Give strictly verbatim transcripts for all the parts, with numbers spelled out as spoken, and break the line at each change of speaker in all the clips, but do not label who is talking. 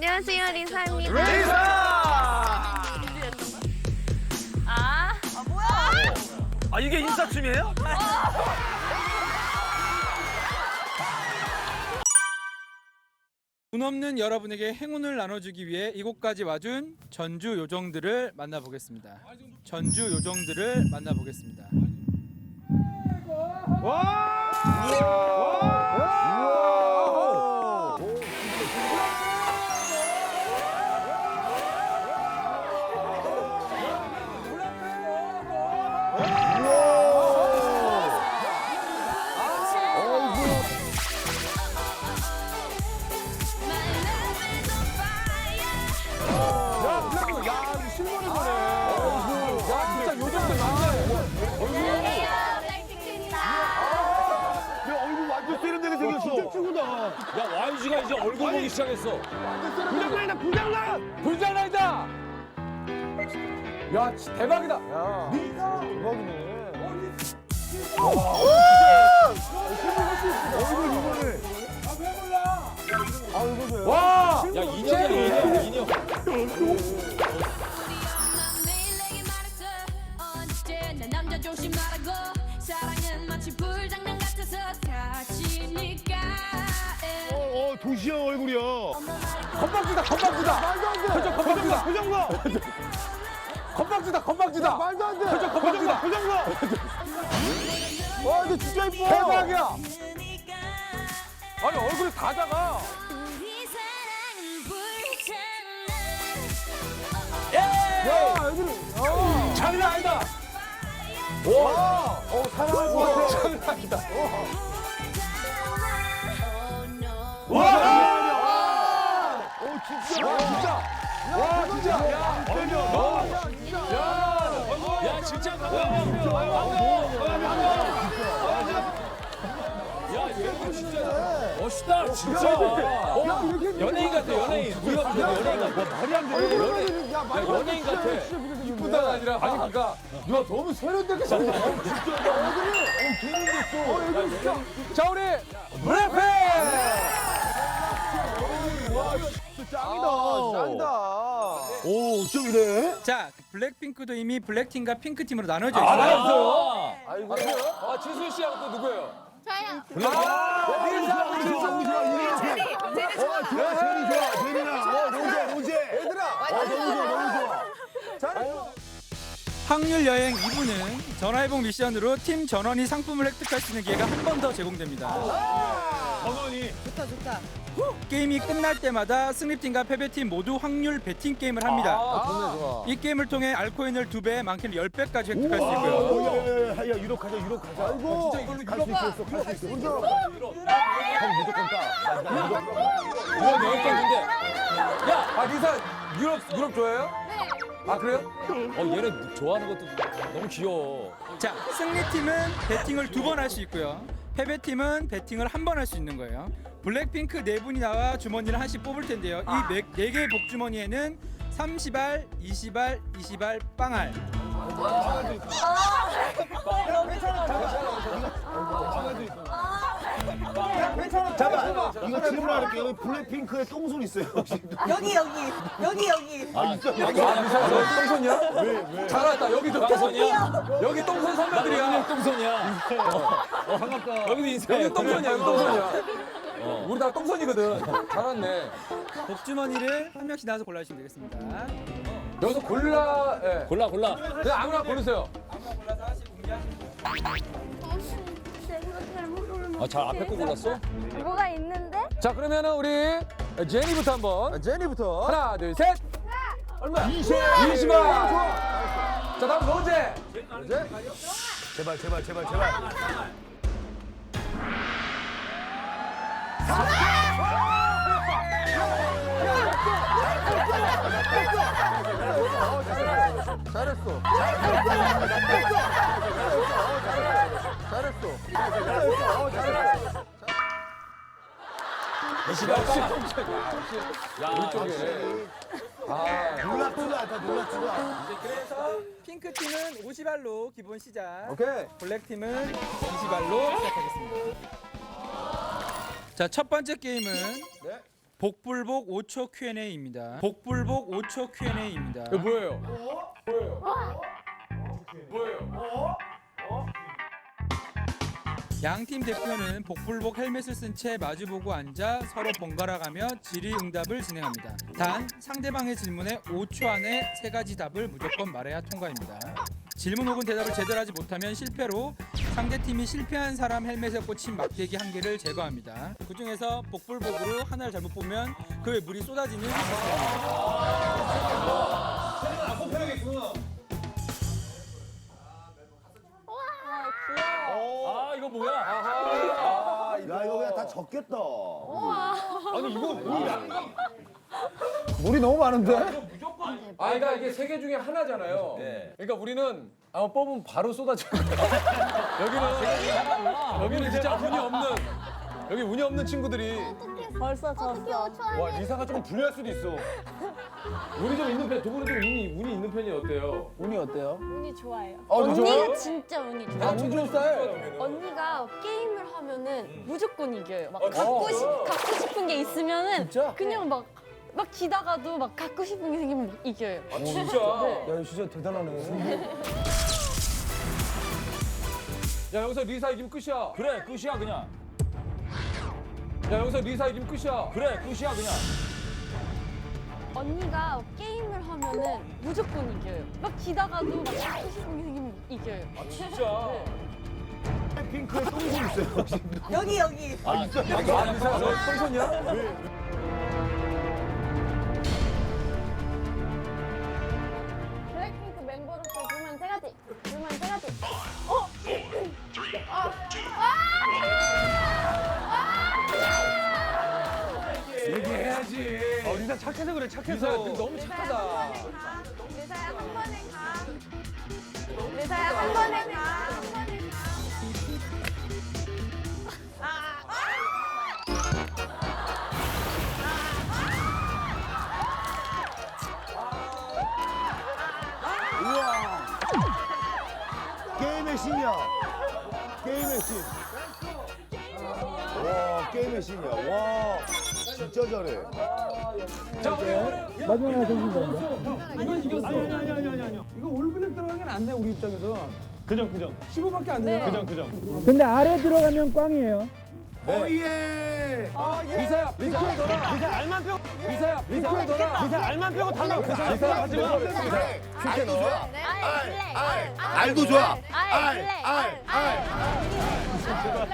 안녕하세요, 리사입니다.
리사!
아,
아 뭐야?
아 이게 인사춤이에요?
운 없는 여러분에게 행운을 나눠주기 위해 이곳까지 와준 전주 요정들을 만나보겠습니다. 전주 요정들을 만나보겠습니다.
야 와이지가 이제 얼굴 보기 시작했어.
부장난이다 부장난!
불장난이다. 야 치- 대박이다. 와. 야 인형이야 인형 인형.
내 남자 조심하라고 사랑은 마치 불장난 같아서 사치니까
어, 도시형 얼굴이야.
건방지다 건방지다. 말도 안 돼. 표정 건방지다.
표정봐.
건방지다 건방지다.
말도 안 돼.
표정 건방지다.
표정봐. 와, 근데 진짜 이뻐.
대박이야. 아니 얼굴이 다 작아.
우리 사랑은 불장난
야 얼굴이. 어. 장난 아니다. 와.
어, 사랑할 것 같아.
장난 아니다.
Oh no
와.
오, 진짜.
와 진짜. 와 진짜. 야 얼굴. 야. 야 진짜 야 얘는 진짜 멋있다 진짜. 어? 연예인 같아 연예인. 우리가 무슨 연예인 같아. 말이 안 돼. 연예인.
야,
야, 연예인 같아. 이쁘다가 아니라 아니 그러니까 야 너무 세련되게 잘 나와. 진짜 얼굴이 어 개는 됐어. 어 얼굴 진짜. 자 우리 블랙핑.
짱이다. 짱이다. 오, 좀 이래?
자, 블랙핑크도 이미 블랙팀과 핑크팀으로 나눠져
아
있어요.
나왔어요. 아이고. 아 지수 씨하고 또 누구예요?
저요.
아 리사
제니 좋아, 제니 좋아, 제니나. 어, 로제, 로제. 얘들아. 어, 너무 좋아, 너무 좋아.
확률 여행 이 부는 전화해봉 미션으로 팀 전원이 상품을 획득할 수 있는 기회가 한 번 더 제공됩니다.
전원이.
좋다 좋다.
게임이 끝날 때마다 승리팀과 패배팀 모두 확률 배팅 게임을 합니다.
아 좋네 좋아.
이 게임을 통해 알코인을 두 배, 많게는 열 배까지 획득할 수
오,
있고요.
야, 야, 야, 야, 유럽 가자, 유럽 가자. 아이고. 진짜 이걸로 갈수 있어, 갈수 있어. 혼자. 형 무조건 따. 나 유럽.
유럽 여행 갔는데. 야, 아 리사 유럽 유럽 좋아해요? 네. 아 그래요? 어 얘네 좋아하는 것도 너무 귀여워.
자, 승리팀은 배팅을 두 번 할 수 있고요. 패배팀은 배팅을 한 번 할 수 있는 거예요. 블랙핑크 네 분이 나와 주머니를 하나씩 뽑을 텐데요. 이 네 개의 복주머니에는 삼십 알, 이십 알, 이십 알, 빵알.
잠깐. 이거 질문할게. 여기 블랙핑크에 똥손 있어요, 혹시?
여기 여기 여기 여기.
아 있어. 여기 아, 똥손이야? 왜 왜? 잘 왔다. 여기도 똥손이야? 여기 똥손 선배들이야. 똥손이야. 어 반갑다. 여기도 인사. 여기 똥손이야. 여기 똥손이야. 어. 우리 다 똥손이거든. 잘 왔네.
복주머니를 한 명씩 나와서 골라주시면 되겠습니다.
여기서 골라. 예. 골라 골라. 그냥 아무나 고르세요.
아무나 골라서 하나씩 공개하시면
아 잘 앞에 거 골랐어?
뭐가 있는데?
자 그러면은 우리 제니부터 한번.
제니부터.
하나 둘 셋. 얼마야? 이십. 이십 원. 자 다음 로제. 로제.
제발, 제발, 제발, 제발. 잘했어. 잘했어. 잘했어. 어, 잘했어.
이십 원. 야 우리 아
놀랍지도 않다, 놀랍지도 않다.
그래서 핑크팀은 오십 알로 기본 시작.
오케이.
블랙팀은 이십 알로 시작하겠습니다. 자, 첫 번째 게임은 복불복 오 초 큐 앤 에이입니다. 복불복 오 초 큐 앤 에이입니다.
이거 뭐예요? 뭐예요? 뭐예요?
양팀 대표는 복불복 헬멧을 쓴 채 마주보고 앉아 서로 번갈아가며 질의응답을 진행합니다. 단 상대방의 질문에 오 초 안에 세 가지 답을 무조건 말해야 통과입니다. 질문 혹은 대답을 제대로 하지 못하면 실패로 상대팀이 실패한 사람 헬멧에 꽂힌 막대기 한 개를 제거합니다. 그 중에서 복불복으로 하나를 잘못 보면 그의 물이 쏟아지는
아 이거 뭐야?
야, 이거 그냥 다 적겠다.
아니 이거 뭐야?
물이 너무 많은데?
아 그러니까 이게 세 개 중에 하나잖아요. 그러니까 우리는 아마 뽑으면 바로 쏟아질 거야. 여기는 여기는 진짜 운이 없는 여기 운이 없는 친구들이
벌써 졌어.
와 리사가 조금 불리할 수도 있어. 운이 좀 있는 편, 두 분은 좀 운이 운이 있는 편이 어때요?
운이 어때요?
운이 좋아요.
어,
언니가 진짜 운이 좋아요.
아 충전 스타일.
언니가 게임을 하면은 무조건 이겨요. 막
아,
갖고
진짜?
싶 갖고 싶은 게 있으면은
진짜?
그냥 막 막 기다가도 막 갖고 싶은 게 생기면 막 이겨요.
아 진짜.
야, 진짜 대단하네.
야 여기서 리사 이기면 끝이야.
그래 끝이야 그냥.
야 여기서 리사 이기면 끝이야.
그래 끝이야 그냥.
언니가 게임을 하면은 무조건 이겨요. 막 기다가도 막 갖고 싶은 게 생기면 이겨요.
아 진짜.
핑크에 똥손 있어요, 혹시?
여기 여기.
아, 있어?
아 리사 너 똥손이야?
블랙핑크 멤버로서 불만 세 가지. 불만 세 가지.
얘기해야지.
어, 리사 착해서 그래
리사
착해서.
너무 착하다.
리사야 한 번에 가. 리사야 한 번에 가.
우와. 게임의 신이야. 게임의 신. 와, 게임의 신이야. 와, 진짜 잘해.
자 우리
마지막에 정신 잡니다.
이건 이겼어.
이거 올블랙 들어가면 안 돼, 우리 입장에서.
그정 그정.
십오밖에 안 돼요.
그정 그정.
근데 아래 들어가면 꽝이에요.
오예.
리사야 리사야 너라.
리사 알만 빼고.
리사야 리사야 너라.
리사 알만 빼고 다 넣어. 리사 하지 마.
알도 좋아.
알, 블랙, 알,
알도 좋아.
알,
알,
블랙,
알, 알.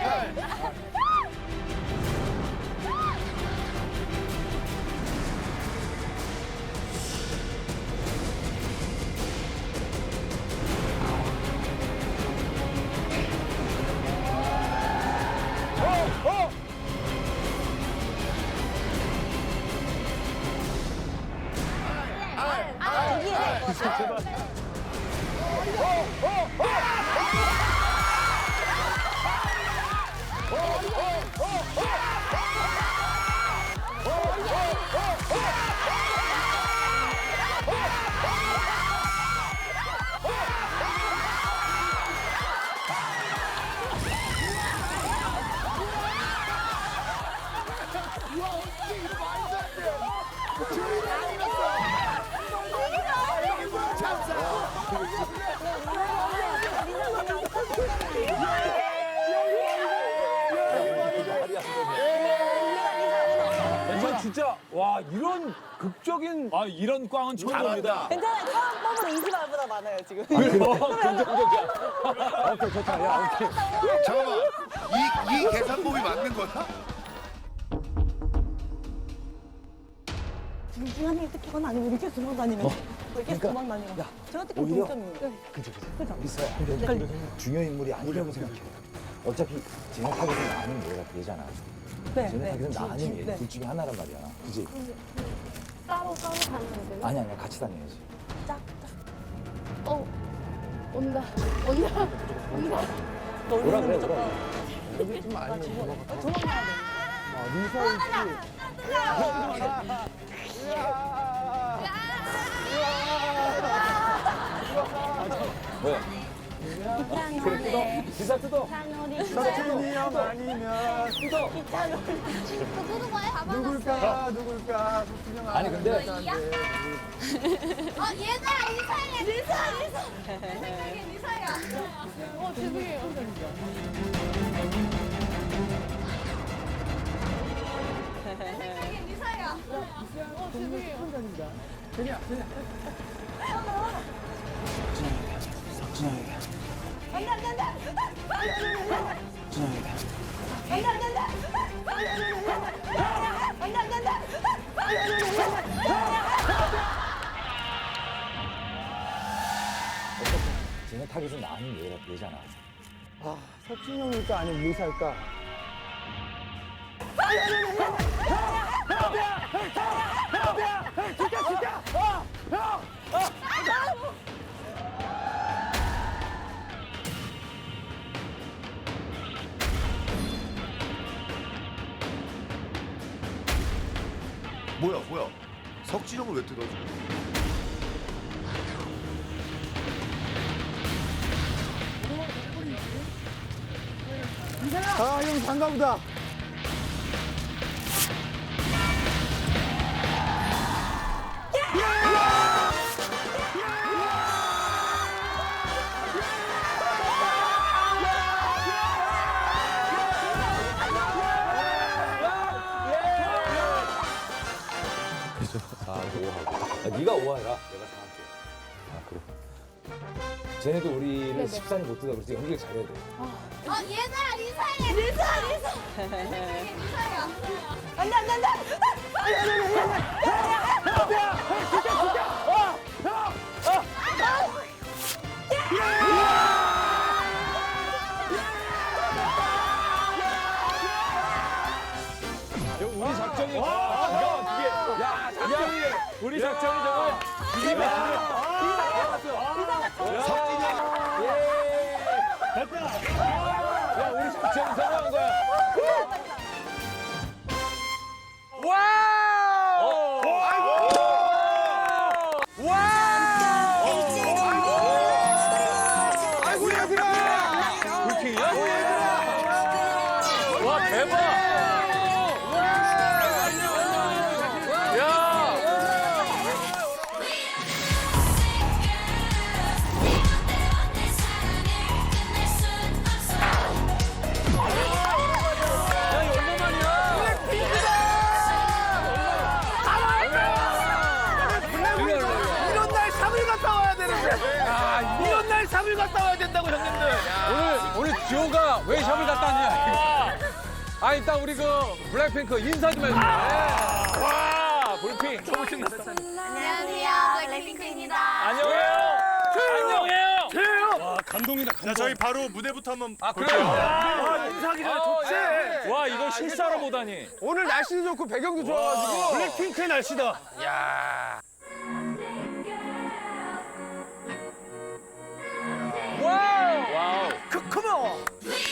이건 진짜 와 이런 극적인
아 이런 꽝은 처음 봅니다.
괜찮아요. 처음 뽑은 이십알보다 많아요 지금.
긍정적이야.
오케이, 좋다. 야, 오케이. 잠깐만. 이, 이 계산법이 맞는 거야?
중간에 이렇게 건 아니고 이렇게 도망 다니는. 이렇게 도망 다니는. 제가 특히
오히려?
동점이에요.
그죠, 그죠. 리사야, 근데 중요 인물이 아니라고 생각해. 어차피 진흙하기는 나 아니면 얘가 되잖아.
네,
진흙하기는 나 아니면 얘.
네.
둘 중에 하나란 말이야. 그지?
따로 따로 가는 거예요?
아니, 아니야. 같이 다녀야지.
어, 온다, 온다, 온다.
뭐라 그래, 뭐라 그래. 여기 좀 아니면 도망가.
도망가야 돼.
아, 리사 씨.
뭐야? 그래 뜯어. 기사 뜯어.
석진이 형 아니면
뜯어.
누구 거야?
누굴까 누굴까 석진이 형
아니 근데
어 얘들아 리사야 리사 리사 리사야.
어, 죄송해요.
리사야.
어, 죄송해요.
쟤네 타겟은 나는 얘, 얘잖아.
아 석진이 형일까 아니면 리사일까?
뭐야 뭐야 석진이 형을 왜 뜯어 지금?
아형 장가보다.
아, 오하고. 아, 네가 오하해라. 내가 사 할게. 아, 그래. 쟤네도 우리를 십三못 뜯어. 그래서 연기를 잘해야 돼.
어 얘들아 리사야 리사 리사 리사야.
안돼 안돼 안돼.
우리 작전이. 야, 작전이. 우리 작전이 저거. 이게 뭐야? 석진이 형. 예. 됐다. 야, 우리 작전이 성공한 거야. 와우!
아이고 얘들아.
불킹이야? 와, 대박! 야! 야, 이거 얼마만이야?
이런 날 삼일 갔다 와야 되는데. 이런 날 삼일 갔다 와야 된다고 형님들.
오늘 오늘 지호가 왜 샵을 갔다 왔냐? 아 일단 우리 그 블랙핑크 인사 좀 해주세요. 와 불핑 너무 신났어.
안녕하세요 블랙핑크입니다.
안녕해요. 안녕해요.
자, 저희 바로 무대부터 한번
아 그래요?
아, 인사하기 전에 좋지.
예. 와 이걸 실사로 보다니.
오늘 날씨도 좋고 배경도 좋아가지고.
블랙핑크의 날씨다.
와우. 와우.
크크모.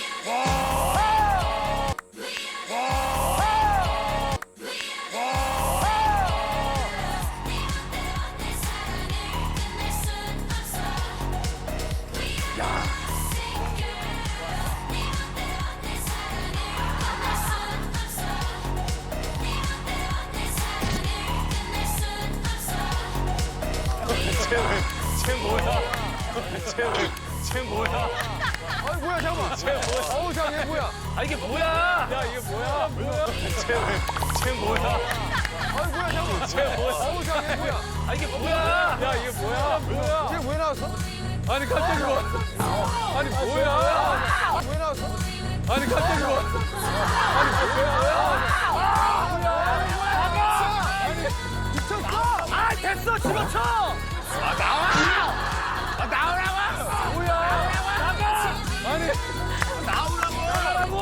쟤 뭐야? 쟤, 쟤 뭐야?
아니 뭐야 잠깐만.
쟤 뭐야?
어우 장애 뭐야?
아 이게 뭐야? 야 이게 뭐야? 뭐야? 쟤, 쟤 뭐야?
아니 뭐야 잠깐만.
쟤 뭐야?
어우 장애 뭐야?
아 이게 뭐야? 야 이게 뭐야? 뭐야?
쟤 왜 나왔어?
아니 갑자기 뭐? 아니 뭐야?
왜 나왔어?
아니 갑자기 뭐? 아니 뭐야?
아 됐어 집어쳐. 아 나와. 아 나오라고.
뭐야?
나가.
아니
나오라고. 나오라고.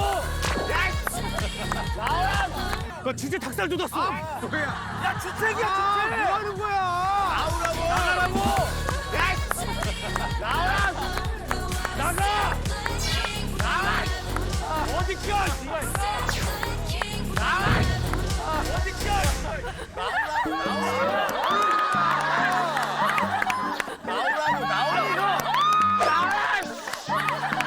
나오라고.
그 진짜 닭살 돋았어.
아, 뭐야? 야 주책이야 주책. 뭐 하는 거야? 나오라고. 나가라고. 야. 나와. 나가. 나와. 어디 껴? 나와. 어디 껴? 나오라고. 나오라고. 나오라고. 나와.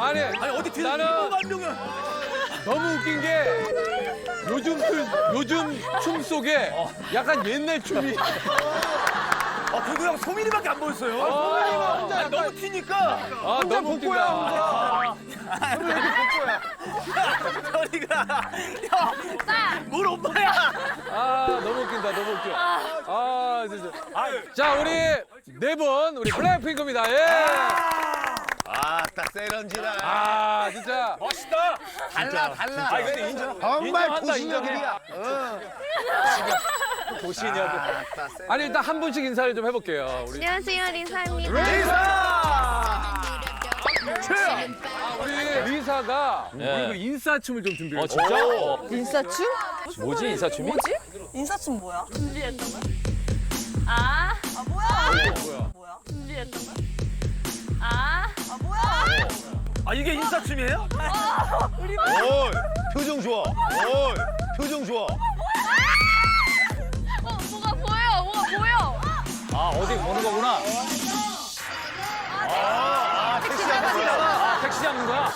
아니, 아니 어디 뒤에 나는 너무 웃긴 게 요즘 춤, 요즘 춤 속에 약간 옛날 춤이.
아, 그리고 형 소민이밖에 안 보였어요.
아, 소민이가 혼자
아, 너무 튀니까.
아, 너무 웃긴다.
형왜 이렇게 복고야? 저리가. 형, 뭘 오빠야?
아, 너무 웃긴다, 너무 웃겨. 아, 진짜. 자, 우리 네 분, 우리 블랙핑크입니다. 예.
아, 딱 세련지다.
아, 진짜.
멋있다.
달라, 달라.
아, 근데 인정.
정말
인정한다,
도시녀들이야.
도시냐고. 아니, 일단 한 분씩 인사를 좀 해볼게요. 우리.
안녕하세요, 리사입니다.
리사!
우리 리사가 그리고 인사춤을 좀 준비했어요. 어, 진짜?
인사춤?
뭐지, 인사춤이?
뭐지? 인사춤 뭐야?
아,
아 뭐야?
뭐야?
뭐야?
준비했던 거야? 아,
아 뭐야?
아, 이게 인사춤이에요?
오, 표정 좋아. 오, 표정 좋아.
어, 뭐가 보여, 뭐가 보여.
아, 어디 보는 거구나.
아, 택시 잡는 거야.
아, 택시 잡는 거야?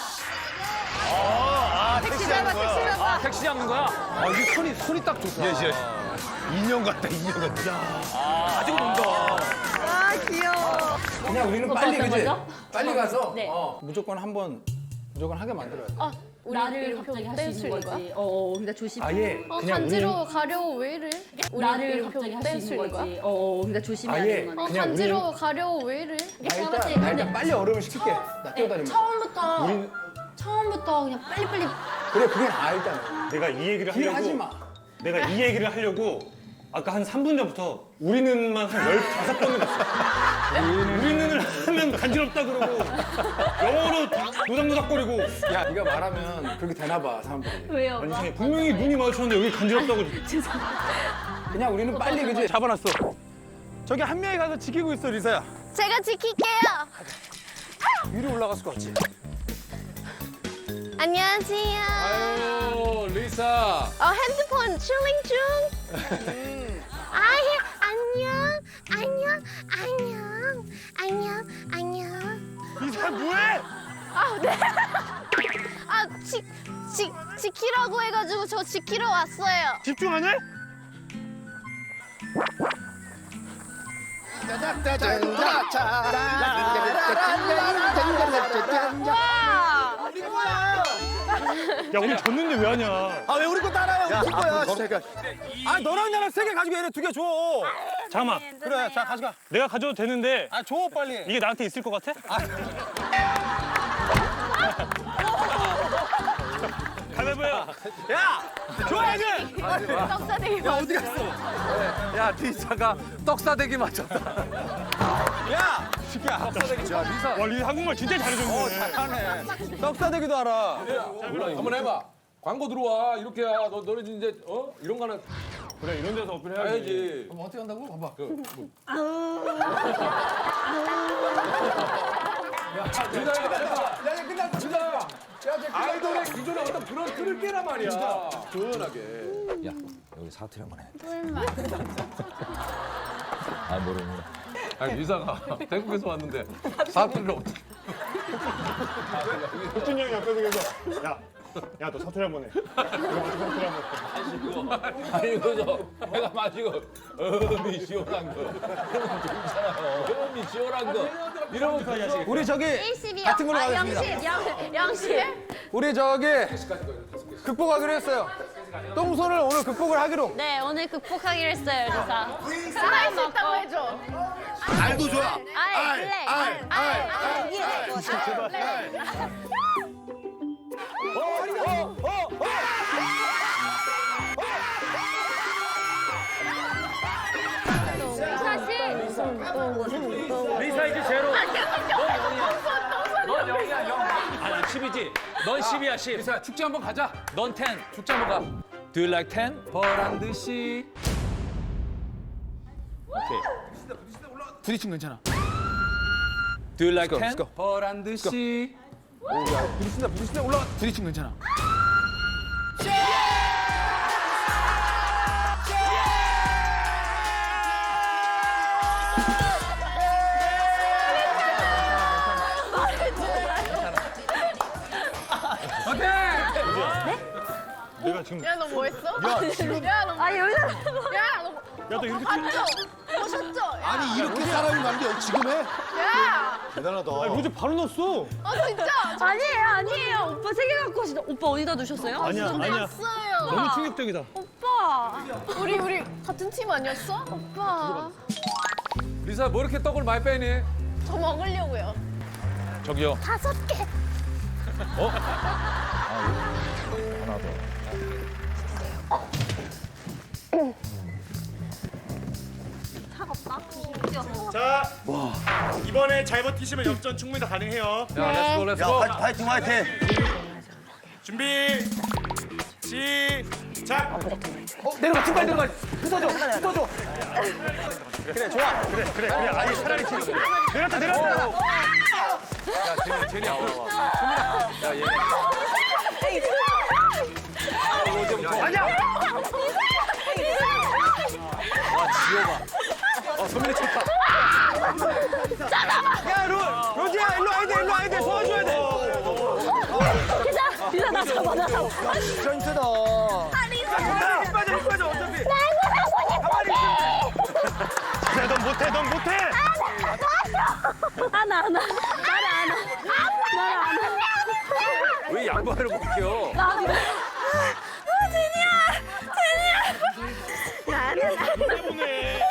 아, 택시 잡는 거야.
아, 택시 잡는 거야? 아, 이게 손이, 손이 딱 좋다.
예, 예. 인형 같다, 인형 같다.
아직 논다.
아 귀여워.
그냥 우리는 빨리 그지? 빨리 가서
네.
어, 무조건 한번 무조건 하게 만들어야 돼.
아,
나를 갑자기 할 수 있는 거지. 어, 어, 그러니까 조심해.
아예
어,
그냥
간지러워 가려워 왜 이래?
나를 갑자기 할 수 있는 거지. 어, 어, 그러니까 조심해야
아예
되는
어,
거지.
그냥
간지러워 가려워 왜 이래?
나 일단, 나 일단 빨리 얼음을 식힐게. 나 뛰어다니면.
처음부터
우린-
처음부터 그냥 빨리빨리.
그래 그게 나아 일단은.
내가 이 얘기를
딜
하려고
하지 마.
내가 이 얘기를 하려고 아까 한 삼 분 전부터 우리는만 한 열다섯 번을 했어. 우리는을 하면 간지럽다 그러고 영어로 노닥노닥거리고
야 네가 말하면 그렇게 되나 봐 사람들이.
왜요?
아니 이상해. 분명히 눈이 마주쳤는데 여기 간지럽다고
그냥 우리는 빨리 그지?
잡아놨어. 저기 한 명이 가서 지키고 있어 리사야.
제가 지킬게요.
위로 올라갔을 것 같지?
안녕하세요.
아유, 리사.
어, 핸드폰 칠링 중. 아, 예, 안녕, 안녕, 안녕, 안녕, 안녕.
리사 뭐해?
아, 네. 아, 지, 지, 지키라고 해가지고 저 지키러 왔어요.
집중하냐? 야 오늘 졌는데 왜 하냐?
아, 왜 우리 거 따라해? 우리 팀 거야.
아, 너랑 나랑 세 개 가지고 얘네 두 개 줘.
잠깐만.
그래, 자, 가져가.
내가 가져도 되는데
아, 줘, 빨리.
이게 나한테 있을 것 같아? 가위바위보야.
야! 줘야지!
떡사대기
야, 어디 갔어? 야, 리사가 떡사대기 맞췄다. 야! 시키야, 떡사대기. 야, 리사.
와 리사 한국말 진짜 잘해줬네.
잘하네. 떡사대기도 알아. 한번 해봐. 광고 들어와. 이렇게 야. 너, 너네 이제, 어? 이런 거 하나
그래 이런 데서 어필 해야지.
해야지.
그럼 어떻게 한다고? 봐봐.
그, 리사야, 해봐.
야 이제 끝났어. 끝났어. 야 이제
아이돌의 기존의 어떤 그런 틀을 깨란 말이야. 조연하게. 야, 여기 사투리 한번 해. 아, 모릅니다. 아니, 리사가 태국에서 왔는데 사투리를 어떻게.
혁준 형이 옆에서 계속 야, 야 너 사투리 한번 해. 이거 어떻게 사투리 한번 해.
아니, 그저 내가 마시고, 음이 시원한 거. 그러면 좋잖아요. 음이 시원한 거. 이러면 그냥.
우리 저기
일십이요.
같은 걸로
아,
가겠습니다.
영십, 영, 영십.
우리 저기 극복하기로 했어요. 똥손을 오늘 극복을 하기로.
네, 오늘 극복하기로 했어요, 리사.
할수 있다고 해줘.
알도 좋아.
아이, 블랙.
알, 알, 알.
리사 이제 제로. 넌 영이야 영. 아니 십이지. 넌 십이야 십.
리사, 축제 한번 가자. 넌 텐. 축제 한번 가. Do you like ten? 버란 듯이. 오케이. 부딪힌 괜찮아. Do you like ten? 버란 듯이.
부딪힌다 부딪힌다 올라가.
부딪힌 괜찮아.
내가 지금
야 너 뭐 했어?
야, 지금
야너
아 여기서
야너
야너 이렇게
봤죠? 보셨죠? 야,
아니 이렇게 사람이 많은데 지금 해?
야!
대단하다.
아니 로제 바로 넣었어.
아 진짜?
아니에요 아니에요. 오빠 세 개 갖고 오시다. 오빠 어디다 두셨어요?
아니야 아니야.
봤어요.
너무 충격적이다.
오빠.
우리 우리 같은 팀 아니었어? 오빠.
리사 뭐 이렇게 떡을 많이 빼니?
저 먹으려고요.
저기요.
다섯 개.
하나 더.
자 이번에 잘 버티시면 역전 충분히 다 가능해요.
야, 렛츠고, 렛츠고.
파이팅 파이팅.
준비 시작.
어, 내려가, 신발 내려가. 붙어줘, 붙어줘.
그래 그래 그래. 아니 차라리 치는 거. 내렸다 내렸다.
야, 제니, 제니 앞으로 와. 소민아. 야, 얘. 로제부터. 아니야! 와, 지효봐. 어, 소민이 쳤다.
야 로, 로지야 일로 와야 돼 일로 와야 돼 도와줘야 돼.
리사 나 잡아 나 잡아.
진짜 힘세다.
힘 빠져 힘 빠져 어차피. 그래 넌 못해 넌 못해.
하나 하나. 나를 안아. 나를 안아.
왜 양보하는 거 웃겨?
나. 아 제니야. 제니야. 나는.
때문에.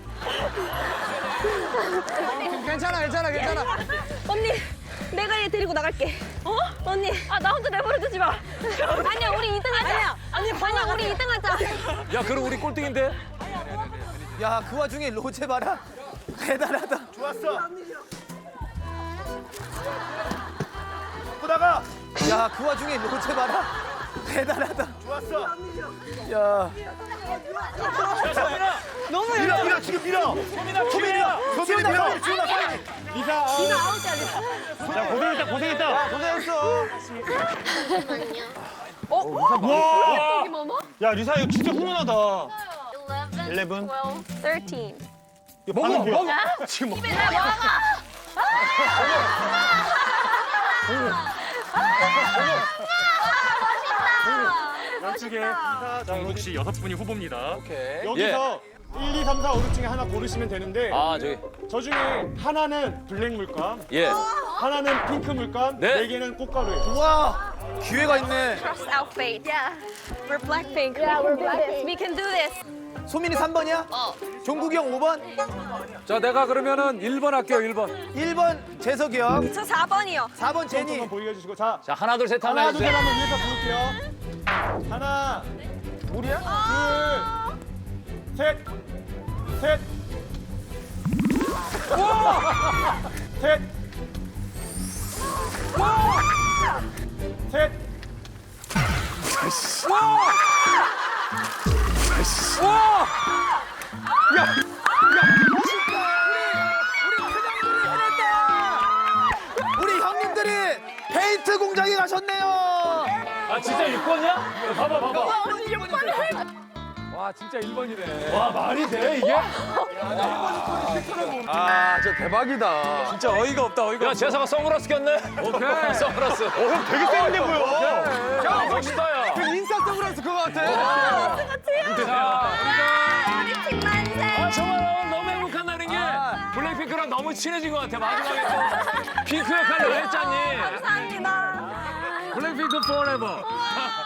괜찮아, 괜찮아, 괜찮아.
언니, 내가 얘 데리고 나갈게. 어? 언니, 아 나 혼자 내버려 두지 마. 아니야, 우리 이 등 하자. 아니야, 언니, 아니야, 우리 이 등 하자.
야, 그럼 우리 꼴등인데?
야, 그 와중에 로제 봐라. 대단하다.
좋았어. 보다가
야, 그 와중에 로제 봐라. 대단하다.
좋았어.
야.
너무 밀어 밀어 지금 밀어.
소민아 소민아
소민이 밀어.
리사. 리사 아웃이야 리사. 자 고생했다 고생했다.
고생했어.
와.
여기 뭐뭐?
야 리사 이거 진짜 훈훈하다.
eleven,
twelve, thirteen.
이거 먹어 먹어. 지금 먹어. 양측에 정국 씨 여섯 분이 후보입니다.
오케이.
여기서 일, 이, 삼, 사, 오, 육 중에 하나 고르시면 되는데
아, 저기.
저 중에 하나는 블랙 물감,
예.
하나는 핑크 물감,
네.
네 개는 꽃가루예요.
우와. 기회가 있네.
Trust our fate. Yeah. We're Blackpink.
Yeah, we're Blackpink.
We can do this.
소민이 삼 번이야?
어.
종국이 형 오 번?
자, 내가 그러면은 일 번 할게요, 일 번.
일 번 재석이 형.
저 사 번이요.
사 번 제니.
한번 보이게 해주시고 자
자, 하나, 둘, 셋 하면
하나 둘 셋
해주세요.
한번 위에서 부를게요. 하나,
우리야?
둘, 셋, 셋, 셋, 셋.
우리 형님들이 페인트 공장에 가셨네요.
아, 진짜 육 번이야? 봐봐, 봐봐. 와, 진짜 일 번이네.
와 말이 돼 이게?
아, 진짜 대박이다. 진짜 어이가 없다, 어이가 없다. 야, 재사가 선글라스 꼈네. 오케이. 선글라스.
어, 형 되게 세련돼 보여.
야, 멋있다, 야.
그 인싸 선글라스 그거 같아.
자,
우리 팀 만세.
아, 정말 오늘 너무 행복한다는 게 블랙핑크랑 너무 친해진 것 같아. 마지막에 또 핑크 역할을 왜 했잖니?
감사합니다.
블랙핑크 포레버.